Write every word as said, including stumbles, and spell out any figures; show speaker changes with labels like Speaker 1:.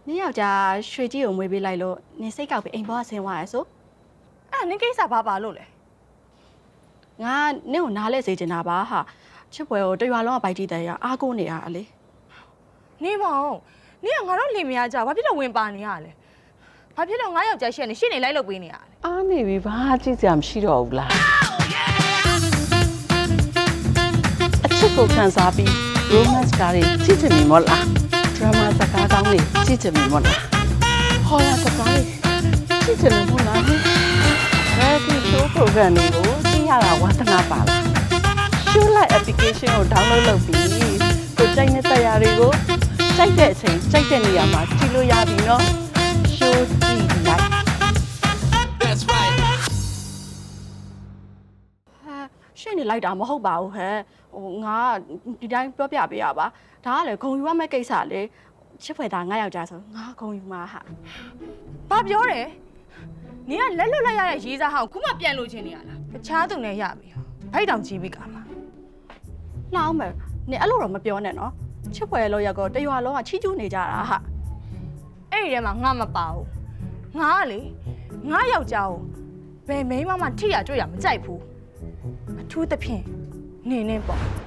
Speaker 1: နင်းယောက်ျားရွှေကြီးကိုမွေးပေးလိုက်လို့နင်းစိတ်ကောက်ပြီးအိမ်ပေါ်ဆင်းသွားရဆို
Speaker 2: အဲ့နင်းကိစ္စဘာပါလို့လဲ
Speaker 1: ငါနင်းကိုနားလဲစေချင်တာပါဟာချစ်ပွဲကိုတရွာလုံးကပိုက်တီးတယ်ရအားကိုးနေရလေ
Speaker 2: နေမောင်နင်းကငါတို့လင်မယားကြဘာဖြစ်လို့ဝင်ပါနေရလဲဘာဖြစ်လို့ငါယောက်ျားရှက်နေရှင်းနေလိုက်လုပ်ပေးနေရလဲ
Speaker 3: အားနေပြီဘာကြည့်စရာမရှိတော့ဘူးလားအချစ်ကိုခံစားပြီး romance ကားတွေကြည့်ချင်ပြီမို့လား drama စကားကောင်းတွေကြည့်ချင်ပြီမို့လားဟောရစကားတွေကြည့်ချင်လို့မို့လားအဲဒီ show program တွေကိုကြည့်ရတာဝါသနာပါလား show live application ကို download လုပ်ပြီးကိုကြိုက်တဲ့တရားတွေကိုကြိုက်တဲ့အချိန်ကြိုက်တဲ့နေရာမှာကြည့်လို့ရပြီနော် show ကြည့်လိုက်
Speaker 4: That's right
Speaker 1: ဟာရှင်းနေလိုက်တာမဟုတ်ပါဘူးဟဲ့ဟိုငါဒီတိုင်းပြောပြပေးရပါဒါကလေဂုံယူရမယ့်ကိစ္စလေချစ်ဖွယ်သားငါယောက်ျားဆိုငါဂုံယူမှာဟာ
Speaker 2: ဘာပြောတယ်နင်းကလက်လွတ်လိုက်ရတဲ့ရေးစားဟောင်းခုမှပြန်လို့ချင်းနေရလားတခြားသူနဲ့ရပြီဘိုက်တောင်ကြီးပြီကမှာ
Speaker 1: လှအောင်မယ်နင်အဲ့လိုတော့မပြောနဲ့နော်ချစ်ဖွယ်လို့ရက်ကောတရွာလုံးကချီးကျူးနေကြတာဟာ
Speaker 2: အဲ့ဒီထဲမှာငါမပါဘူးငါကလေငါယောက်ျားကိုဘယ်မိန်းမမှထိရကြွရမကြိုက်ဘူးအထူးသဖြင့်နေနေပေါ့